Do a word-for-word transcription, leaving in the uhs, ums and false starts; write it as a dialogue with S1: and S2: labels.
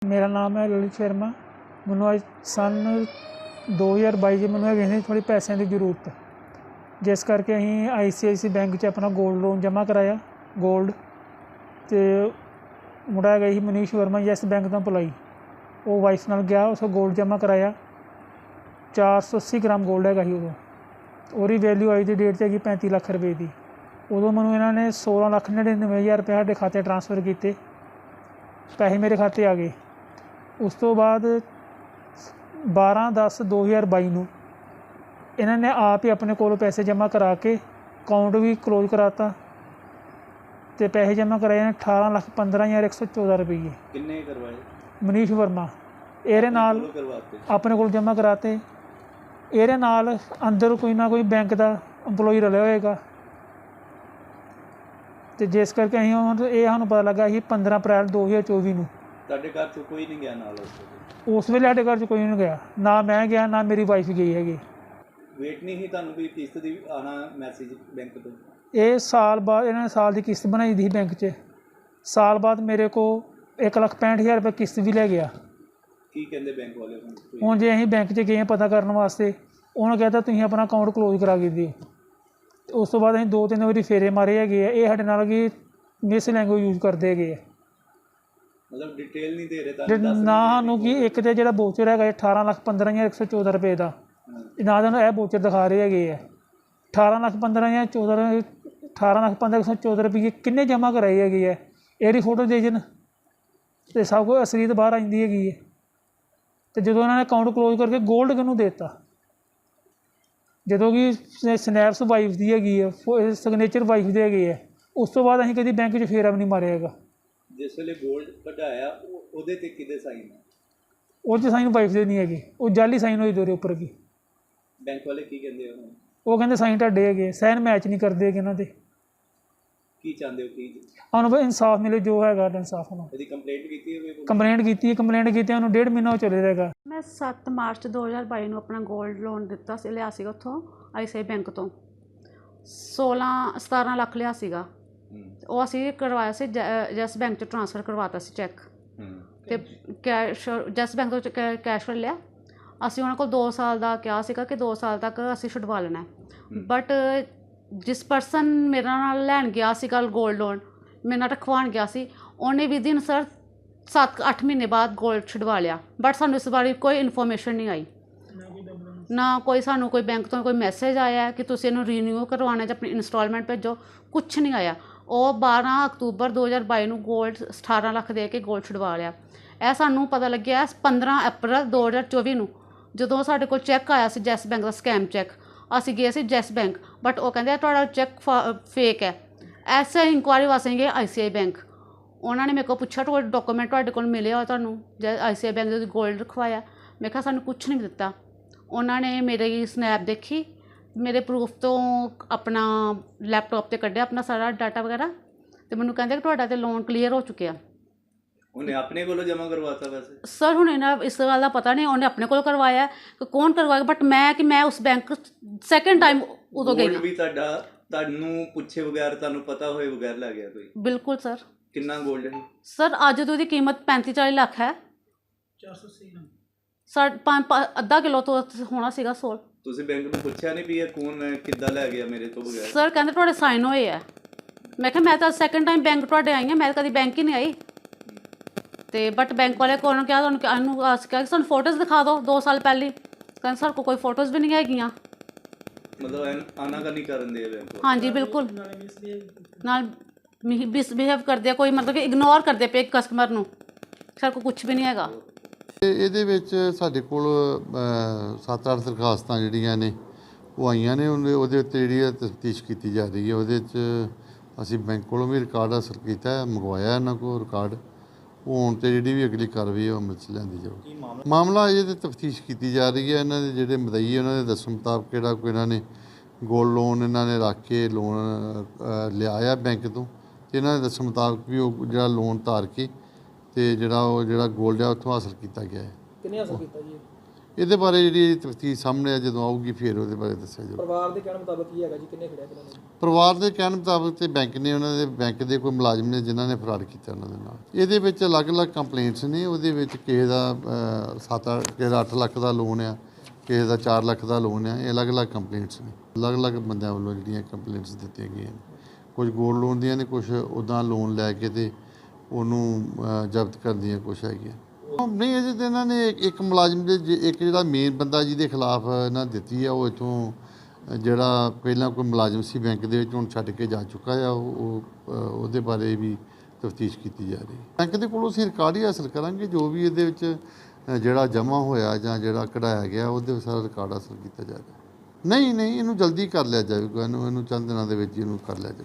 S1: मेरा नाम है ललित शर्मा। मैनू अज सन दो हज़ार बाई मैनू है थोड़ी पैसों की जरूरत, जिस करके असीं आई सी आई सी बैंक च अपना गोल्ड लोन जमा कराया। गोल्ड तो मुड़ा है ही मनीष वर्मा यस बैंक तो एम्पलॉई, वो वाइफ नाल गया, उस गोल्ड जमा कराया। चार सौ अस्सी ग्राम गोल्ड है ही उदों, और वैल्यू अज की डेट से है पैंती लख रुपए की। उदों मैनू इन्होंने सोलह लख नड़िनवे हज़ार रुपये साढ़े खाते ट्रांसफर किए, पैसे मेरे खाते आ गए। उस तो बाद बारह दस दो हज़ार बाई नूं इन्होंने आप ही अपने कोलों पैसे जमा करा के अकाउंट भी क्लोज कराता, तो पैसे जमा कराए अठारह लख पंद्रह हज़ार एक सौ चौदह रुपये।
S2: किन्ने करवाए?
S1: मनीष वर्मा एरे नाल अपने को जमा कराते। एरे नाल अंदर कोई ना कोई बैंक का एम्पलॉई रलिया होएगा, तो जिस करके असीं हुण ये सानूं पता लगा कि पंद्रह अप्रैल दो हज़ार चौबी नूं
S2: तुहाडे घर चों कोई नहीं गया नाल?
S1: उस वेले साडे घर च कोई नहीं गया, ना मैं गया ना मेरी वाइफ गई हैगी।
S2: वेट नहीं ही तुहानूं कोई किस्त दी आना मैसेज बैंक तो?
S1: ये साल बाद इन्होंने साल की किस्त बनाई दी बैंक च, साल बाद मेरे को एक लख पैंठ हज़ार रुपये किस्त भी लै गया।
S2: की कहंदे बैंक वाले हुण?
S1: हुण जे असीं बैंक च गए पता करने वास्ते, उन्होंने कहता तुसीं अपना अकाउंट क्लोज करा के दिओ। उस तो बाद असीं दो तीन बारी फेरे मारे है, ये साडे नाल कि मिस लैंगुएज यूज करते है।
S2: मतलब डिटेल नहीं दे रहे
S1: ना सानूं कि एक तो जो बोचर है अठारह लख पंद्रह हज़ार एक सौ चौदह रुपये का, ना तो यह बोचर दिखा रहे है। अठारह लख पंद्रह हज़ार चौदह अठारह लख पंद्रह सौ चौदह रुपये किन्ने जमा कराई है, यही फोटो दे जन तो सब कुछ असलीत बाहर आती है। तो जो उन्होंने अकाउंट क्लोज करके गोल्ड किनू देता, जो कि स्नैप्स वाइफ की हैगी है, सिग्नेचर वाइफ की हैगी है, उस तो बाद असीं कभी बैंक च फेरा भी नहीं मारिया हैगा।
S2: जिस वेले गोल्ड कढाया उहदे ते किहदे साइन है?
S1: उस साइन वाइफ दे नहीं है, वो जाली साइन होई दोरे उपर की।
S2: बैंक वाले की कहंदे हो?
S1: वो कहते साइन ढाडे है, साइन मैच नहीं करते इन्हों के।
S2: की चाहते हो की
S1: हम भाई इंसाफ मिले, जो है इंसाफ होना।
S2: कंप्लेंट की
S1: कंप्लेंट की कंप्लेंट की उन्होंने डेढ़ महीना चले रहेगा।
S3: मैं सत्त मार्च दो हज़ार बाई में अपना गोल्ड लोन दिता सी, लिया सीगा उत्थों आई सी आई बैंक तो सोलह सतारह लख लिया सीगा। वो असीं करवाया सी जैस बैंक च ट्रांसफर करवाता सी चैक, तो कैश जैस बैंक तो कैश लिया। असीं उन्हां कोल दो साल का कहा सीगा कि दो साल तक असीं छुडवा लेना है, बट जिस परसन मेरे नाल लैन गया सीगा गोल्ड लोन, मेरे नाल रखवान गया सी, उन्हें भी दिन सर सत्त अठ महीने बाद गोल्ड छुडवा लिया, बट सानू इस बारे कोई इन्फॉर्मेशन नहीं आई, ना कोई सानू कोई बैंक तो कोई मैसेज आया कि तुसीं इहनूं रीन्यू करवाना जां अपनी इंस्टॉलमेंट भेजो, कुछ नहीं आया। और बारह अक्तूबर दो हज़ार बाई में गोल्ड अठारह लख दे के गोल्ड छुडवा लिया। यह सानू पता लग्या पंद्रह अप्रैल दो हज़ार चौबी में, जो साढ़े को चैक आया सी जैस बैंक का स्कैम चैक। असीं गए सी जैस बैंक, बट वो कहते तुहाडा चैक फेक है। ऐसे इंक्वायरी वास्ते गए आई सी आई बैंक, उन्होंने मेरे को पूछा तो डॉक्यूमेंट तुहाडे कोल मिले हो तुहानूं जै आई सी आई बैंक दे गोल्ड रखवाया? मैं कहा सानूं कुछ नहीं दिता। उन्होंने मेरी स्नैप देखी, मेरे प्रूफ तो अपना लैपटॉप से कढ़िया अपना सारा डाटा वगैरह, तो मैनूं कहंदे कि तुहाडा ते लोन क्लीयर हो चुकिया।
S2: उन्हें अपने को जमा करवाता? वैसे सर
S3: हुण इन्हां इस गल का पता नहीं, उन्हें अपने को करवाया कि कौन करवाया, बट मैं कि मैं उस बैंक सैकेंड टाइम उदों गई
S2: भी तुहाडा तुहानूं पुछे बगैर तुहानूं पता होए बगैर लै गया कोई?
S3: बिल्कुल सर।
S2: कितना गोल्ड है
S3: सर? अज तो उसकी कीमत पैंती चाली लख है।
S1: चार सौ अस्सी ग्राम
S3: साढ़े अद्धा किलो तो होना सीगा सोल।
S2: तुसीं बैंक में पुछया नहीं भी कौन किद्दां लै गया मेरे तो बगैर?
S3: सर कहते तुहाडे साइन होए है। मैं कहा मैं तो सैकेंड टाइम बैंक तुहाडे आई हाँ, मैं कभी बैंक ही नहीं आई। तो बट बैंक वाले को क्या क्या सू फोटोज़ दिखा दो दो साल पहले, कहते सर को कोई फोटोज़ भी नहीं हैगियां।
S2: मतलब आना का नहीं करन दे बैंक?
S3: हाँ जी बिल्कुल, नाल मिसबिहेव करते, कोई मतलब कि इग्नोर करते पे कस्टमर नूं, सर को कुछ भी नहीं हैगा।
S4: ਇਹਦੇ ਵਿੱਚ ਸਾਡੇ ਕੋਲ ਸੱਤ ਅੱਠ ਦਰਖਾਸਤਾਂ ਜਿਹੜੀਆਂ ਨੇ ਉਹ ਆਈਆਂ ਨੇ, ਉਹਦੇ ਉਹਦੇ ਉੱਤੇ ਜਿਹੜੀ ਤਫਤੀਸ਼ ਕੀਤੀ ਜਾ ਰਹੀ ਹੈ। ਉਹਦੇ 'ਚ ਅਸੀਂ ਬੈਂਕ ਕੋਲੋਂ ਵੀ ਰਿਕਾਰਡ ਹਾਸਲ ਕੀਤਾ, ਮੰਗਵਾਇਆ ਇਹਨਾਂ ਕੋਲ ਰਿਕਾਰਡ। ਉਹ ਹੁਣ 'ਤੇ ਜਿਹੜੀ ਵੀ ਅਗਲੀ ਕਾਰਵਾਈ ਉਹ ਅਮਲ 'ਚ ਲਿਆਂਦੀ ਜਾਊਗੀ। ਮਾਮਲਾ ਅਜੇ ਤਾਂ ਤਫਤੀਸ਼ ਕੀਤੀ ਜਾ ਰਹੀ ਹੈ। ਇਹਨਾਂ ਦੇ ਜਿਹੜੇ ਮਦਈ ਉਹਨਾਂ ਦੇ ਦੱਸਣ ਮੁਤਾਬਕ ਕਿਹੜਾ ਕੋਈ ਇਹਨਾਂ ਨੇ ਗੋਲਡ ਲੋਨ ਇਹਨਾਂ ਨੇ ਰੱਖ ਕੇ ਲੋਨ ਲਿਆਇਆ ਬੈਂਕ ਤੋਂ, ਅਤੇ ਇਹਨਾਂ ਦੇ ਦੱਸਣ ਮੁਤਾਬਕ ਵੀ ਉਹ ਜਿਹੜਾ ਲੋਨ ਧਾਰ ਕੇ ਤੇ ਜਿਹੜਾ ਉਹ ਜਿਹੜਾ ਗੋਲਡ ਆ ਉੱਥੋਂ ਹਾਸਲ ਕੀਤਾ ਗਿਆ ਹੈ।
S1: ਕਿੰਨੇ ਹਾਸਲ ਕੀਤਾ ਜੀ?
S4: ਇਹਦੇ ਬਾਰੇ ਜਿਹੜੀ ਤਫਤੀਸ਼ ਸਾਹਮਣੇ ਆ ਜਦੋਂ ਆਊਗੀ ਫਿਰ ਉਹਦੇ ਬਾਰੇ ਦੱਸਿਆ ਜਾਊਗਾ।
S5: ਪਰਿਵਾਰ ਦੇ ਕਹਿਣ ਮੁਤਾਬਕ ਕੀ ਹੈਗਾ ਜੀ, ਕਿੰਨੇ ਖੜਿਆ ਕਿਹਨਾਂ ਨੇ?
S4: ਪਰਿਵਾਰ ਦੇ ਕਹਿਣ ਮੁਤਾਬਕ ਤੇ ਬੈਂਕ ਨੇ ਉਹਨਾਂ ਦੇ ਬੈਂਕ ਦੇ ਕੋਈ ਮੁਲਾਜ਼ਮ ਨੇ ਜਿਨ੍ਹਾਂ ਨੇ ਫਰਾਡ ਕੀਤਾ ਉਹਨਾਂ ਦੇ ਨਾਲ। ਇਹਦੇ ਵਿੱਚ ਅਲੱਗ-ਅਲੱਗ ਕੰਪਲੇਂਟਸ ਨੇ। ਉਹਦੇ ਵਿੱਚ ਕਿਸੇ ਦਾ ਸੱਤ ਕਿਸੇ ਦਾ ਅੱਠ ਲੱਖ ਦਾ ਲੋਨ ਆ, ਕਿਸੇ ਦਾ ਚਾਰ ਲੱਖ ਦਾ ਲੋਨ ਆ। ਇਹ ਅਲੱਗ-ਅਲੱਗ ਕੰਪਲੇਂਟਸ ਨੇ, ਅਲੱਗ-ਅਲੱਗ ਬੰਦਿਆਂ ਵੱਲੋਂ ਜਿਹੜੀਆਂ ਕੰਪਲੇਂਟਸ ਦਿੱਤੀਆਂ ਗਈਆਂ ਨੇ। ਕੁਝ ਗੋਲਡ ਲੋਨ ਦੀਆਂ ਨੇ, ਕੁਝ ਉੱਦਾਂ ਲੋਨ ਲੈ ਕੇ ਤੇ ਉਹਨੂੰ ਜ਼ਬਤ ਕਰਨ ਦੀਆਂ ਕੁਛ ਹੈਗੀਆਂ। ਨਹੀਂ, ਅਜੇ ਤਾਂ ਇਹਨਾਂ ਨੇ ਇੱਕ ਮੁਲਾਜ਼ਮ ਦੇ ਇੱਕ ਜਿਹੜਾ ਮੇਨ ਬੰਦਾ ਜਿਹਦੇ ਖਿਲਾਫ ਇਹਨਾਂ ਦਿੱਤੀ ਆ, ਉਹ ਇੱਥੋਂ ਜਿਹੜਾ ਪਹਿਲਾਂ ਕੋਈ ਮੁਲਾਜ਼ਮ ਸੀ ਬੈਂਕ ਦੇ ਵਿੱਚ, ਹੁਣ ਛੱਡ ਕੇ ਜਾ ਚੁੱਕਾ ਆ। ਉਹ ਉਹਦੇ ਬਾਰੇ ਵੀ ਤਫਤੀਸ਼ ਕੀਤੀ ਜਾ ਰਹੀ ਹੈ। ਬੈਂਕ ਦੇ ਕੋਲੋਂ ਅਸੀਂ ਰਿਕਾਰਡ ਹੀ ਹਾਸਲ ਕਰਾਂਗੇ, ਜੋ ਵੀ ਇਹਦੇ ਵਿੱਚ ਜਿਹੜਾ ਜਮ੍ਹਾਂ ਹੋਇਆ ਜਾਂ ਜਿਹੜਾ ਕਢਾਇਆ ਗਿਆ ਉਹਦੇ ਸਾਰਾ ਰਿਕਾਰਡ ਹਾਸਲ ਕੀਤਾ ਜਾਏਗਾ। ਨਹੀਂ ਨਹੀਂ, ਇਹਨੂੰ ਜਲਦੀ ਕਰ ਲਿਆ ਜਾਵੇਗਾ, ਇਹਨੂੰ ਇਹਨੂੰ ਚੰਦ ਦਿਨਾਂ ਦੇ ਵਿੱਚ ਇਹਨੂੰ ਕਰ ਲਿਆ ਜਾਵੇਗਾ।